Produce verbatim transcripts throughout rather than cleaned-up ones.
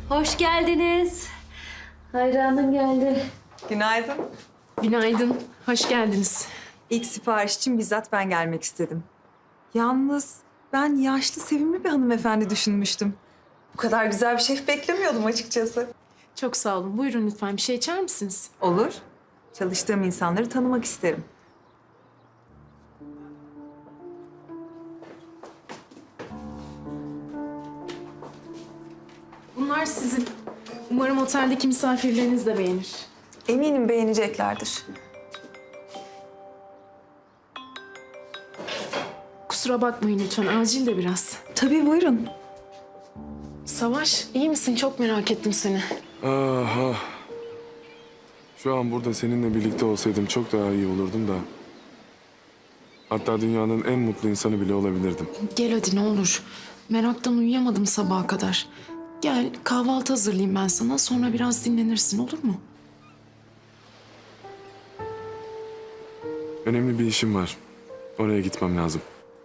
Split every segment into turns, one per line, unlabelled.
Hoş geldiniz. Hayranım geldi.
Günaydın.
Günaydın, hoş geldiniz.
İlk sipariş için bizzat ben gelmek istedim. Yalnız ben yaşlı, sevimli bir hanımefendi düşünmüştüm. Bu kadar güzel bir şef beklemiyordum açıkçası.
Çok sağ olun. Buyurun lütfen bir şey içer misiniz?
Olur. Çalıştığım insanları tanımak isterim.
Bunlar sizin. Umarım oteldeki misafirleriniz de beğenir.
Eminim beğeneceklerdir.
Kusura bakmayın lütfen, acil de biraz.
Tabii buyurun.
Savaş, iyi misin? Çok merak ettim seni.
Aha. Şu an burada seninle birlikte olsaydım çok daha iyi olurdum da. Hatta dünyanın en mutlu insanı bile olabilirdim.
Gel hadi ne olur. Meraktan uyuyamadım sabaha kadar. Gel, kahvaltı hazırlayayım ben sana. Sonra biraz dinlenirsin, olur mu?
Önemli bir işim var. Oraya gitmem lazım.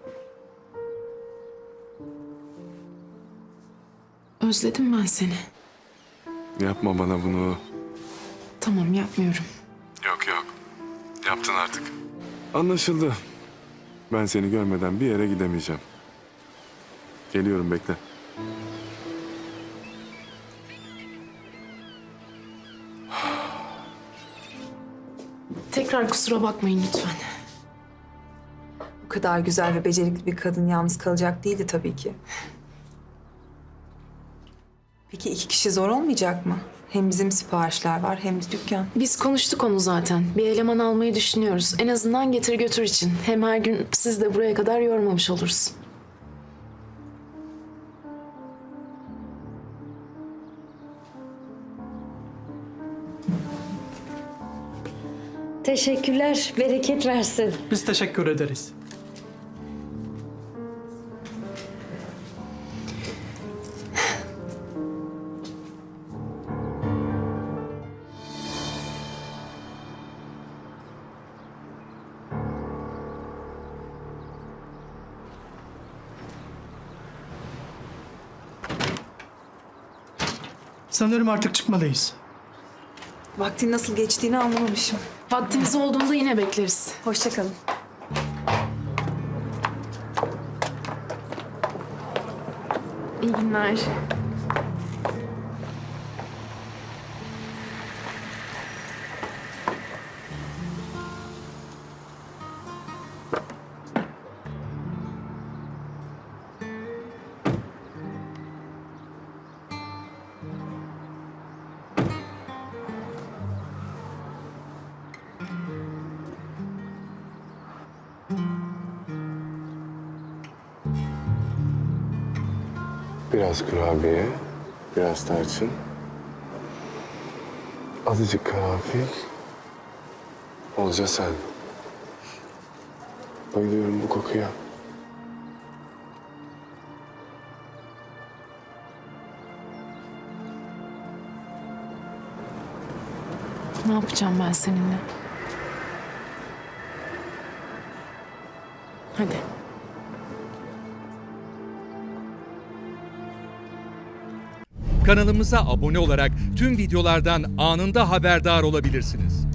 Özledim ben seni.
Yapma bana bunu.
Tamam, yapmıyorum.
Yok yok. Yaptın artık. Anlaşıldı. Ben seni görmeden bir yere gidemeyeceğim. Geliyorum, bekle.
Tekrar kusura bakmayın lütfen.
Bu kadar güzel ve becerikli bir kadın yalnız kalacak değildi tabii ki. Peki iki kişi zor olmayacak mı? Hem bizim siparişler var hem de dükkan.
Biz konuştuk onu zaten. Bir eleman almayı düşünüyoruz. En azından getir götür için. Hem her gün siz de buraya kadar yormamış oluruz.
Teşekkürler. Bereket versin.
Biz teşekkür ederiz. Sanırım artık çıkmalıyız.
Vaktin nasıl geçtiğini anlamamışım.
Vaktiniz olduğunda yine bekleriz.
Hoşça kalın.
İyi günler.
Biraz kurabiye, biraz tarçın. Azıcık karanfil. Olca sen. Bayılıyorum bu kokuya.
Ne yapacağım ben seninle? Hadi.
Kanalımıza abone olarak tüm videolardan anında haberdar olabilirsiniz.